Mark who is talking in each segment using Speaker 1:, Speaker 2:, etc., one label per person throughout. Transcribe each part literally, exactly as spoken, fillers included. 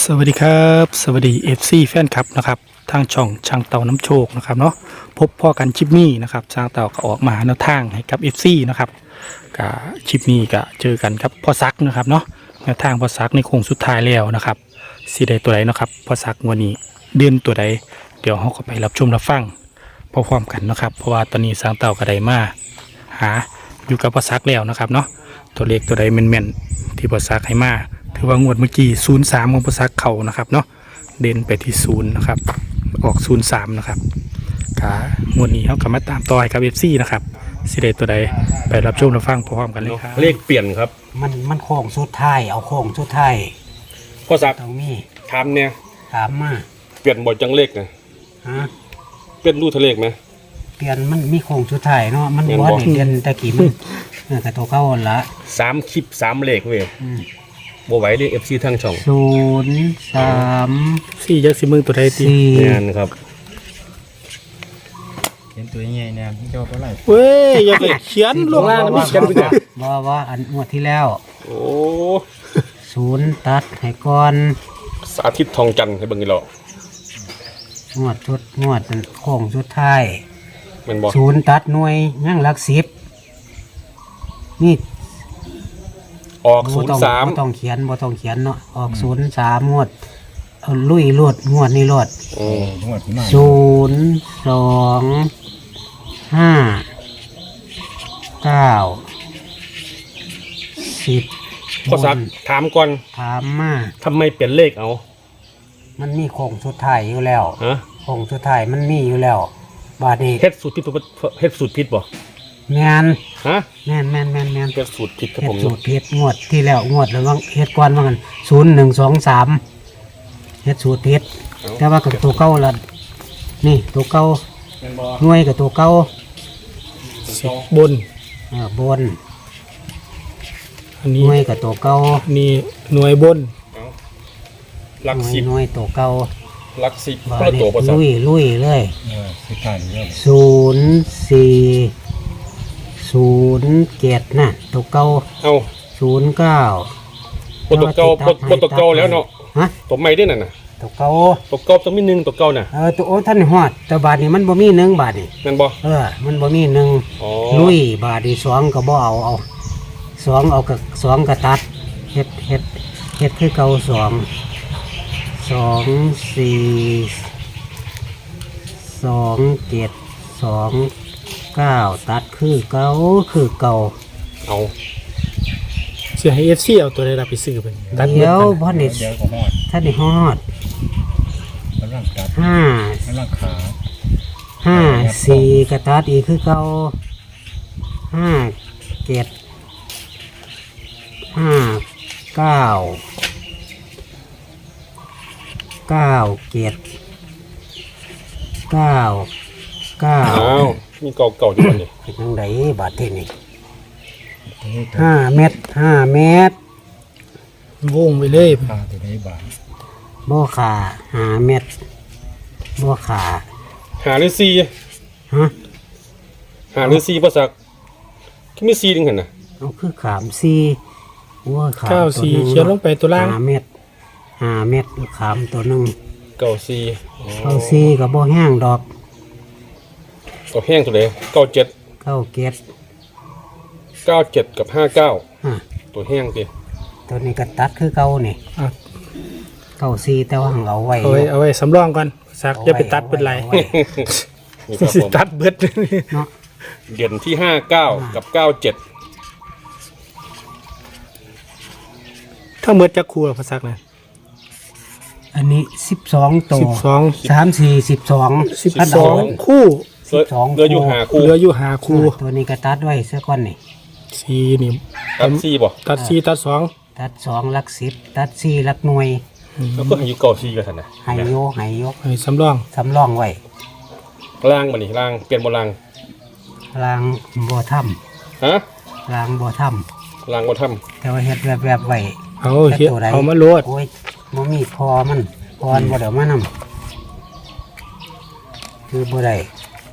Speaker 1: สวัสดีครับสวัสดี เอฟ ซี แฟนคลับนะครับทางช่องช่างเต่าน้ำโชคนะครับเนาะพบพ่อกันชิปนี้นะครับช่างเต่าก็ออกมาแนวทางให้กับ เอฟ ซี นะครับกับชิปนี้ก็เจอกันครับพ่อซักนะครับเนาะแนวทางพ่อซักในโค้งสุดท้ายแล้วนะครับสีใดตัวใดนะครับพ่อซักวันนี้เดือนตัวใดเดี๋ยวเราก็ไปรับชมรับฟังพร้อมๆกันนะครับเพราะว่าตอนนี้ช่างเต่าก็ได้มาหาอยู่กับพ่อซักแล้วนะครับเนาะตัวเลขตัวใดแม่นๆที่พ่อซักให้มาถือว่างวดเมื่อกี้ศูนย์สามของพ่อซักเข่านะครับเนาะเด่นไปที่ศูนย์นะครับออกศูนย์สามนะครับกางวดนี้เขากลับมาตามต่อให้กับเอฟซีนะครับสิเดตัวใดไปรับชมรับฟังพร้อมๆกันเลยครับ
Speaker 2: เลขเปลี่ยนครับ
Speaker 3: มันมันโค้งสุดท้ายเอาโค้งสุดท้าย
Speaker 2: พ่อศักดิ์
Speaker 3: ตรงนี้
Speaker 2: ถามเนี่ย
Speaker 3: ถามมา
Speaker 2: เปลี่ยนบ่อยจังเลขนะ
Speaker 3: ฮะ
Speaker 2: เปลี่ยนรูทะเลขไหม
Speaker 3: เปลี่ยนมันมีโค้งสุดท้ายเนาะมัน
Speaker 2: เปลี่ยน
Speaker 3: บ่
Speaker 2: บ่
Speaker 3: ได้เดือนตะกี้มันเออกระตัวเก่าหั่นละ
Speaker 2: สามคลิปสามเลขเว้ย
Speaker 3: อืม
Speaker 2: บ่ไหวเลยเอฟซีทั้งช่อง
Speaker 3: ศูนย์สาม
Speaker 1: สี่ยักษ์สิมือตัวใดตี
Speaker 3: สี่
Speaker 2: งานครับ
Speaker 4: เห็นตัวใหญ่เนี่ยพี่เจ้าก็ไล่
Speaker 1: เว้ยอย่าไปเขียนลงล่างนะ
Speaker 3: ว่า
Speaker 1: พี่เขียนไปก่อน
Speaker 3: ว่าว่าอันงวดที่แล้ว
Speaker 2: โอ้
Speaker 3: ศูนย์ตัดให้ก่อน
Speaker 2: สาธิตทองจันทร์ให้เบิ่งอีหลอก
Speaker 3: งวดชุดงวดนั้นโค้งสุดท้าย
Speaker 2: แม่นบ่
Speaker 3: ศูนย์ตัดหน่วยยังหลักสิบนี่
Speaker 2: ออกศู
Speaker 3: บ่
Speaker 2: น
Speaker 3: ต้อ
Speaker 2: ย์
Speaker 3: ง
Speaker 2: สาม
Speaker 3: บ่ต้องเขียนบ่ต้องเขียนเนาะออกศูนย์สามงวดเอาลุยรวดงวดนี้รวด
Speaker 2: อืม
Speaker 4: ทั้งหมดที่มา
Speaker 3: ศูนย์สองห้าเก้าสิบ
Speaker 2: พ่อศักดิ์ถามก่อน
Speaker 3: ถามมา
Speaker 2: ทำไมเปลี่ยนเลขเอา
Speaker 3: มันมีโค้งสุดท้ายอยู่แล้ว
Speaker 2: ฮะ
Speaker 3: โค้งสุดท้ายมันมีอยู่แล้ว บาดนี้
Speaker 2: เฮ็ดสูตรผิดบ่เฮ็ดสูตรผิดบ่
Speaker 3: แมน
Speaker 2: ฮะ
Speaker 3: แมนแมนแมนแมน
Speaker 2: เฮ็ดสูตรผิดครับ
Speaker 3: เฮ็
Speaker 2: ผ
Speaker 3: ด
Speaker 2: ม
Speaker 3: สูตรเฮ็ดงวดที่แล้วงวดแล้วว่าเฮ็ดก่อนว่ากันศูนย์หนึ่งสองสามเฮ็ดสูตรเฮ็ดแต่ว่ากับตัวเก่าละนี่ตัวเก่า
Speaker 2: แม่นบ่
Speaker 3: หน่วยกับตัวเก่า
Speaker 1: บน
Speaker 3: เออบน
Speaker 1: อัน
Speaker 3: ห
Speaker 1: นี้
Speaker 3: น่วยกับตัวเก่า
Speaker 1: นี่หน่วยบน
Speaker 2: เอาหลัก
Speaker 3: หน่วย
Speaker 2: สิบ
Speaker 3: หน่วยตัวเก่า
Speaker 2: หลักสิบ
Speaker 3: ว่า
Speaker 2: คนละ
Speaker 3: นี่
Speaker 2: ตัวพ่อศัก
Speaker 3: ลุ
Speaker 2: ดิ์
Speaker 3: ยลุยเลย
Speaker 4: เออสุดท้ายนี่เลย
Speaker 3: ศูนย์สี่ศูนย์เจ็ดน่ะตัวเก่า
Speaker 2: เอา
Speaker 3: ศูนย์เก้า
Speaker 2: บ่ตัวเก่าบ่บ่ตัวเก่าแล้วเนาะ
Speaker 3: ฮะ
Speaker 2: ตัวใหม่ด้วยนั่นน่ะ
Speaker 3: ตัวเก่า
Speaker 2: ตัวเก่าต้องมีหนึ่งตัวเก่าน่ะ
Speaker 3: เออตัวโอ้ท่านฮอดแต่บาทนี้มันบ่มีหนึ่งบาทนี่
Speaker 2: แม่นบ่
Speaker 3: เออ มันบ่มีหนึ่ง
Speaker 2: อ๋อ
Speaker 3: ลุยบาทนี่สองก็บ่เอาเอาสองเอากับสองก็ตัดเฮ็ดเฮ็ดเฮ็ดคือเก่าสองสองสี่สองเจ็ดสองเก้าตัดคือเก่าคือเก่า
Speaker 2: เอา
Speaker 1: เสียให้เอฟซีเอาตัวใดรับไปซื้อเป็นตัดเงิน
Speaker 3: เดี๋ยว
Speaker 1: กัน
Speaker 3: พ่อนี่
Speaker 4: เดี๋ยวก็หอด
Speaker 3: ท่านนี่ฮอด
Speaker 4: แล้วร่างตัด
Speaker 3: ห้า
Speaker 4: แล้วร่างขา
Speaker 3: ห้าสี่กระตัดอีกคือเก่าห้าเจ็ดห้าเก้าเก้าเจ็ดเก้าเก้า
Speaker 2: อ้าวมีเก่าเก่าๆอยู่บ่นี่
Speaker 3: เป็นยังไงบาทที่นี่
Speaker 4: ตัวนี้
Speaker 3: ห้าเมตรห้าเมตร
Speaker 1: วงไปเลย
Speaker 4: ขาตัวนี้บาท
Speaker 3: บ่ขาห้าเมตรบ่ขา
Speaker 2: หาหรือซี
Speaker 3: ฮะ
Speaker 2: หาหรือซีภาษาคือมีซีนึงหั่นน่ะ
Speaker 3: เอาคือขามสี่ว่าขาม
Speaker 1: เก้า
Speaker 3: ตัว
Speaker 1: สี่
Speaker 3: หนึ่ง
Speaker 1: เขียนลงไปตัวล่าง
Speaker 3: ห้าเมตรห้าเมตรขามตัวหนึ่ง
Speaker 2: เก่าซีอ๋อ
Speaker 3: เอาสี่กับบ่แห้งดอก
Speaker 2: เก่าแห้งตัวใดเก้าเจ็ด
Speaker 3: เก้าเกต
Speaker 2: เก้าเจ็ดกับห้าเก้า
Speaker 3: ฮะ
Speaker 2: ตัวแห้งติ
Speaker 3: ตัวนี้ก็ตัดคือเก่านี่
Speaker 1: อ่ะ
Speaker 3: เก้าสี่แต่ว่าหังเอาไว้
Speaker 1: เอาไว้เอาไว้สำรองก่อนซักอย่าไปตัดเป็นไร
Speaker 3: อาไว้
Speaker 2: นี่ครับผม
Speaker 1: ตัดเบิด
Speaker 3: เนาะ
Speaker 2: เด่นที่ห้าเก้ากับเก้าเจ็ด
Speaker 1: ถ้าเมื่อจะครูเราภาษาเนี่ย
Speaker 3: อันนี้สิบสองตัว
Speaker 1: สิบสอง
Speaker 3: สามสี่สิบสอง
Speaker 1: สิบสองคู่
Speaker 3: สิบสอง
Speaker 2: เหลืออยู่หาคู่
Speaker 1: เหลืออยู่หาคู่
Speaker 3: ตัวนี้ก็ตัดไว้ซะก่อนนี่
Speaker 1: สี่นี่
Speaker 2: ตัดซีบ่
Speaker 1: ตัดสี่ตัดสอง
Speaker 3: ตัดสองหลักสิบตัดสี่หลักหน่วย
Speaker 2: แล้วก็ให้อยู่เก้าซีกันซั่นน่ะ
Speaker 3: ใหายโยใหายโย
Speaker 1: ให้สำรอง
Speaker 3: สำรองไว้
Speaker 2: ล่างบ่นี่ล่างเปลี่ยนบ่ล่าง
Speaker 3: ลางบัวถ้
Speaker 2: ฮะ
Speaker 3: ำลางบัวถ้
Speaker 2: ล่างบ่ทำ
Speaker 3: ำแต่ว่าเฮ็ดแวบๆไว้
Speaker 1: เอาเฮ็ด
Speaker 3: แต่ตัวใด
Speaker 1: เอามาโลด
Speaker 3: โอ้ยบ่มีพอมันพอนบ่เดี๋ยวมานำคือบ่ได้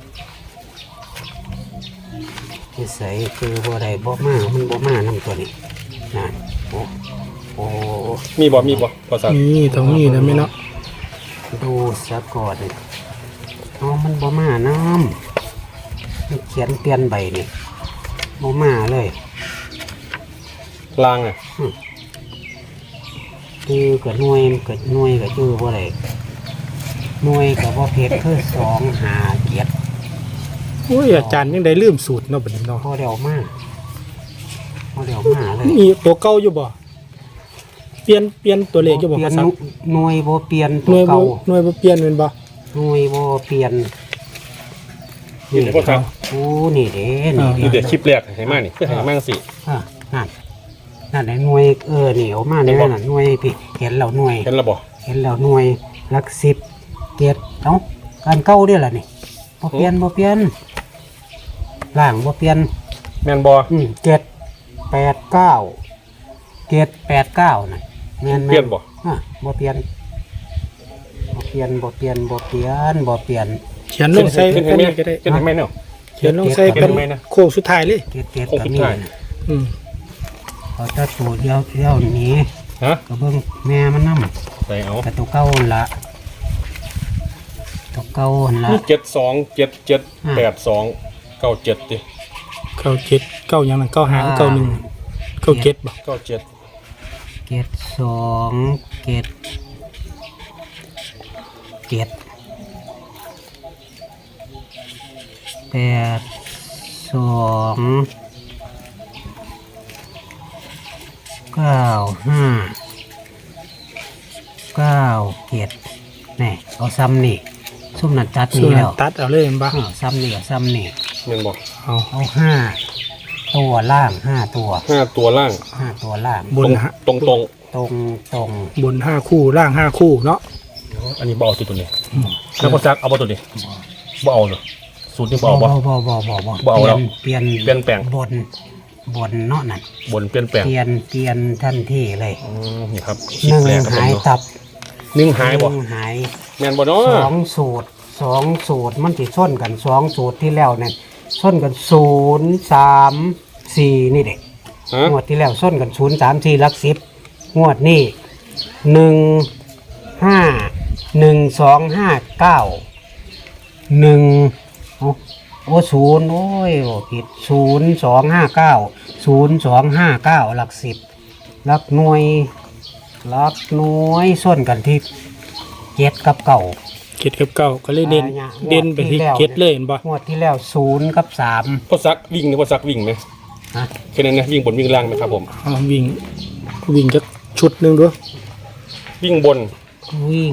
Speaker 3: นิสัยคือบ่ได้บ่มามันบ่มานำตัวนี้นั่นโอ้โอ้โอ้
Speaker 2: มีบ่มีบ่ภาษา
Speaker 1: นี่ตรงนี้นะไม่เนาะ
Speaker 3: ดูซะก่อนอ๋อมันบ่มาน้ำมันเขียนเปลี่ยนใบนี่บ่มาเลย
Speaker 2: ลางอ่ะ
Speaker 3: คือกับหน่วยกับหน่วยกับชื่อว่าอะไรหน่วยกับว่าเพชรคือสองหาเกียรติ
Speaker 1: โอ้ยอาจารย์ยังได้ลืมสูตรเนาะบัดนี้เนาะ
Speaker 3: พอเดียวมากพอเดียวมากเลย
Speaker 1: มีตัวเก่าอยู่บ่เปลี่ยนเปลี่ยนตัวเลขอยู่บ่
Speaker 3: เปลี่ยน
Speaker 1: ภาษา
Speaker 3: หน่วยบ่เปลี่ยน
Speaker 1: ห
Speaker 3: ตั
Speaker 1: น่
Speaker 3: ว
Speaker 1: วยบ่
Speaker 3: เก่า
Speaker 1: หน่วยบ่เปลี่ยนแม่นบ่
Speaker 3: หน่วยบ่เปลี่ยน
Speaker 2: นี่เดี๋ยวภาษา
Speaker 3: โอ้นี่เด้นี่
Speaker 2: นี่เดี๋
Speaker 3: เด้
Speaker 2: ยวคลิปแรกให้มานี่คือให้มาสิ
Speaker 3: อ่ะนั่นนั่นไอ้หน่วยเออนี่เอามาในนั่นนะหน่วยพี่เห็นแล้วหน่วย
Speaker 2: เห็นแล้วบ่
Speaker 3: เห็นแล้วหน่วยหลักสิบเกียรติเอ้าการเก่าเด้อล่ะนี่บ่เปลี่ยนบ่เปลี่ยนล่างบ่เปลี่ยน
Speaker 2: แม่นบ่
Speaker 3: อืมเจ็ดแปดเก้าเจ็ดแปดเก้าน่ะแม่น
Speaker 2: เปลี่ยนบ่
Speaker 3: อ่ะบ่เปลี่ยนบ่เปลี่ยนบ่เปลี่ยนบ่เปลี่ยนบ่เปลี่ยน
Speaker 1: เขียนลงใส่
Speaker 2: เห็น
Speaker 1: เป็น
Speaker 2: ไหม
Speaker 1: นี้ก็ได้
Speaker 2: เห็นไหมเนาะ
Speaker 1: เขียนลงใส่
Speaker 2: เขี
Speaker 1: เป็
Speaker 2: ย
Speaker 1: น
Speaker 2: นไหมนะ
Speaker 1: โค้งสุดท้ายเลย
Speaker 3: เจ็ดเจ็ด
Speaker 2: โค้ง
Speaker 3: ก็
Speaker 2: สุด
Speaker 3: มี
Speaker 2: ท้าย
Speaker 3: น่ะ
Speaker 1: อืม
Speaker 3: เอาแตะตูดเดียวเดียวหนี้
Speaker 2: ฮะ
Speaker 3: ก็เบิ่งแม่มันนำ
Speaker 2: ใส่เอา
Speaker 3: แต่ตัวเก่าหั่นละตัวเก่าหั่นละ
Speaker 2: นี่เจ็ดสองเจ็ดเจ็ดแปดสองเก้าเจ็ดดิ
Speaker 1: เก้าเจ็ดเก้าหยังนั่นเก้าหางเก้าหนึ่งเก้าเจ็ดบ่
Speaker 2: เก้าเจ็ด
Speaker 3: เจ็ดสองเจ็ดเจ็ดแปดสองเก้าห้าเก้าเจ็ดนี่เอาซ้ำนี่ซุ่มนัดจัด
Speaker 1: ส่ว
Speaker 3: นี่
Speaker 1: น
Speaker 3: แล้ว
Speaker 1: ตัดเอาเลยแม่นบ่
Speaker 3: อ้าวซ้ำนี่เอาซ้ำนี่
Speaker 2: แม่นบ่
Speaker 1: เอา
Speaker 3: เอาห้าตัวล่างห้าตัว
Speaker 2: ห้าตัวล่าง
Speaker 3: ห้าตัวล่าง
Speaker 1: บนฮะ
Speaker 2: ตรงตรง
Speaker 3: ตรงตรง
Speaker 1: บนห้าคู่ล่างห้าคู่เนาะ
Speaker 2: ๆอันนี้บ่เอาตัวนี้แล้วภาษาเอาบ่ตัวนี้บ่เอาเลยสูตรนี้บ่เอาบ่
Speaker 3: บ่บ่บ่บ่
Speaker 2: บ่เอาแล้ว
Speaker 3: เปลี่ยน
Speaker 2: เปลี่ยนแปลง
Speaker 3: บนบนเนาะนั่น
Speaker 2: บนเปลี่ยนแปลง
Speaker 3: เปลี่ยนเปลี่ยนทันทีเลย
Speaker 2: อืมนี่ครับค
Speaker 3: ห
Speaker 2: ลิป
Speaker 3: นึ่ง
Speaker 2: แรกครับผ
Speaker 3: หาม ย
Speaker 2: เนาะ
Speaker 3: ตับ
Speaker 2: หนึ่งหายบ่
Speaker 3: นึ่งหาย
Speaker 2: แม่นบ่เนาะ
Speaker 3: สองสูตรสองสูตรมันสิส้นกันสองสูตรที่แล้วเนี่ยส้นกันศูนย์สามสี่นี่เด็ก
Speaker 2: ฮะ
Speaker 3: งวดที่แล้วส้นกันศูนย์สามสี่ลักสิบงวดนี่หนึ่งห้าหนึ่งสองห้าเก้าหนึ่งโอ้โอ้ศูนย์โอ้ยโอ้ผิดศูนย์สองห้าเก้าศูนย์สองห้าเก้าหลักสิบหลักหน่วยหลักหน่วยส้นกันที่เจ็ดกับเก่า
Speaker 1: เจ็ดกับเก้าก็เลยเด่น
Speaker 3: อ่าเนี่ย
Speaker 1: เด่นไปที่
Speaker 3: งวดที่แล้ว
Speaker 1: เจ็ดเลยเห็นบ่
Speaker 3: งวดที่แล้วศูนย์กับสาม
Speaker 2: พอซักวิ่งนี่พอซักวิ่งไหม
Speaker 3: ฮะ
Speaker 2: แค่นั้นนะวิ่งบนวิ่งล่างไหมครับผม
Speaker 1: เอาวิ่งวิ่งจักชุดหนึงด้วย
Speaker 2: วิ่งบน
Speaker 3: วิ่ง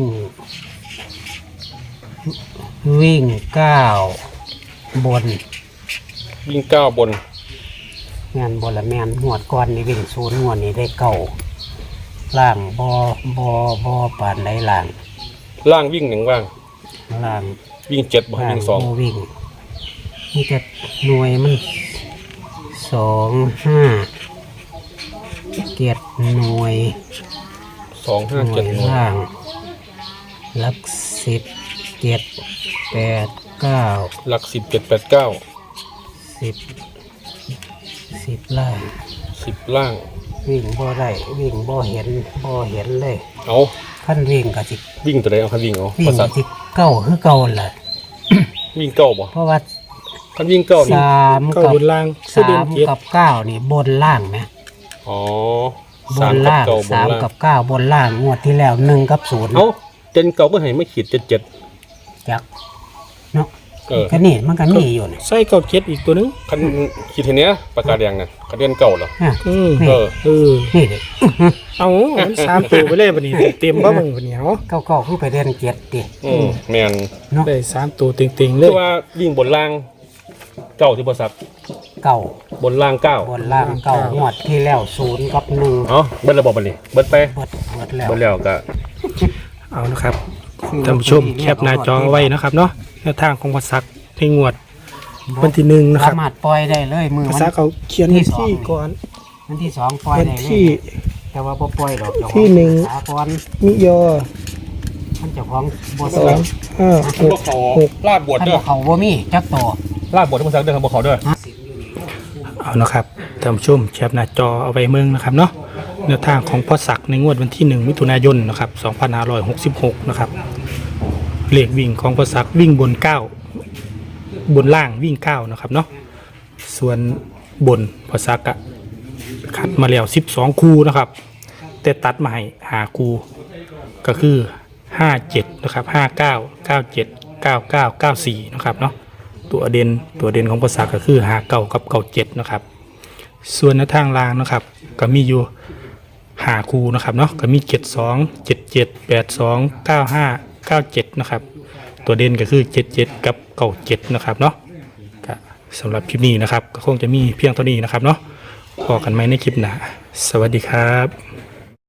Speaker 3: วิ่งเก้าบน
Speaker 2: วิ่งเก้าบน
Speaker 3: งานบนละแมนหวดก้อนนี่วิ่งศูนย์หวดนี่ได้เก่าล่างบอบอบอปานได้ล่าง
Speaker 2: ล่างวิ่งหนึ่งว่าง
Speaker 3: ล่าง
Speaker 2: วิ่งเจ็ดบ่ให้
Speaker 3: ล่าง
Speaker 2: วิ่งสอง
Speaker 3: บ่วิ่งนี่จะหน่วยมันสองห้าเกียรติหน่วย
Speaker 2: สองห้า
Speaker 3: หน่ว
Speaker 2: เจ็ด
Speaker 3: ย
Speaker 2: หน่วย
Speaker 3: ล่างหลักสิบเจ็ดแปดเก้า
Speaker 2: หลักสิบเจ็ดแปดเก้า
Speaker 3: สิบสิบล่าง
Speaker 2: สิบล่าง
Speaker 3: วิ่งบ่ได้วิ่งบ่เห็นบ่เห็นเลย
Speaker 2: เอา
Speaker 3: ขั้นวิ่งก็สิ
Speaker 2: วิ่งตัวใดเอาคันวิ่งเอา
Speaker 3: วิ่
Speaker 2: ภาง ษา
Speaker 3: ก็สิเก้าคือเก่าแหละ
Speaker 2: วิ่งเก้าบ่
Speaker 3: เพราะว่า
Speaker 2: คันวิ่งเก้านี่
Speaker 3: สาม
Speaker 1: เก้า
Speaker 3: กับบ
Speaker 1: นล่างคือ
Speaker 3: สา
Speaker 1: เด่น
Speaker 3: ม
Speaker 1: เจ็ด
Speaker 3: กับเก้านี่บนล่างไหม
Speaker 2: อ๋อบ
Speaker 3: น
Speaker 2: สามกับ
Speaker 3: ล่าง
Speaker 2: เก้าบน
Speaker 3: สาม
Speaker 2: ล่าง
Speaker 3: กับเก้าบนล่างงวดที่แล้วหนึ่งกับศูนย์
Speaker 2: เอาเจ็ดเก้าเพื่อให้ไม่ขีดเจ็ดเจ็ด
Speaker 3: จักเนาะ
Speaker 2: เออ
Speaker 3: ก็นี่มันก็มีอยู่นี่
Speaker 1: ใส่เก้าเจ็ดอีกตัวหนึง
Speaker 2: คันขีดทีเนี้ยปากกาแดงน่ะกระเด็นเก่าเหรอ
Speaker 3: ฮะ
Speaker 1: อืม
Speaker 3: นี่
Speaker 2: เออ
Speaker 1: เออ
Speaker 3: นี่เด็ก
Speaker 1: เอามันสามตัวไปเลยบัดนี้เต็มบ่มึงบัดนี้เอา
Speaker 3: เก้าเก้าคือไปเรียนเจ็ดดิ
Speaker 2: อืมแมน
Speaker 3: เนาะ
Speaker 1: ได้สามตัวเต็งๆเล
Speaker 2: คื
Speaker 1: ย
Speaker 2: อว่าวิ่งบนล่างเก้าที่บริษัท
Speaker 3: เก้า
Speaker 2: บนล่างเก้า
Speaker 3: บนล่างเก้างวดที่แล้วศูนย์กับหนึ่ง
Speaker 2: เอ๋อเบิดระบบบันนี้เบิดไป
Speaker 3: เบิดเบิดแล้ว
Speaker 2: เบิดแล้วก็
Speaker 1: เอานะครับท่านผู้ชมแคปหน้าจอไว้นะครับเนาะแนวทางของภาษาในงวดวันที่หนึ่งนะครับ
Speaker 3: สามารถปล่อยได้เลยมือ
Speaker 1: ภา
Speaker 3: วัน
Speaker 1: ษาเขาเขียนวันที่ก่อน
Speaker 3: วันที่สองปล่อย
Speaker 1: วัน
Speaker 3: ได้เลย
Speaker 1: ที่
Speaker 3: แต่ว่าบ่ปล่อยดอกเจ้าของ
Speaker 1: ที่หนึ่ง
Speaker 3: สาก่อน
Speaker 1: มิยอ
Speaker 3: ท่านเจ้าของบ่
Speaker 1: ส
Speaker 3: ซื้
Speaker 1: อ
Speaker 3: อง
Speaker 1: ห้าห
Speaker 2: พว
Speaker 1: ก
Speaker 2: กเขา
Speaker 1: หก
Speaker 2: ลาบบวช
Speaker 3: ท่าน
Speaker 2: เด้อ
Speaker 3: บ่เขาบ่มีจักโต
Speaker 2: ลาบบวชที่บริษัทเด้อครับพวกเขาเด้อ
Speaker 1: เอานะครับท่านผู้ชมแคปหน้าจอเอาไว้เมืองนะครับเนาะแนวทางของพ่อศักดิ์ในงวดวันที่หนึ่งมิถุนายนนะครับสองพันห้าร้อยหกสิบหกนะครับเลขวิ่งของพ่อศักดิ์วิ่งบนเก้าบนล่างวิ่งเก้านะครับเนาะส่วนบนพ่อศักดิ์อะคัดมาแล้วสิบสองคู่นะครับแต่ตัดมาให้หาคู่ก็คือห้าเจ็ดนะครับห้าเก้าเก้าเจ็ดเก้าเก้าเก้าสี่นะครับเนาะตัวเด่นตัวเด่นของภาษาก็คือหาเก้ากับเก้าเจ็ดนะครับส่วนในทางล่างนะครับก็มีอยู่หาคู่นะครับเนาะก็มีเจ็ดสองเจ็ดเจ็ดแปดสองเก้าห้าเก้าเจ็ดนะครับตัวเด่นก็คือเจ็ดเจ็ดกับเก้าเจ็ดนะครับเนาะก็สำหรับคลิปนี้นะครับก็คงจะมีเพียงเท่านี้นะครับเนาะพอกันไหมในคลิปหน้าสวัสดีครับ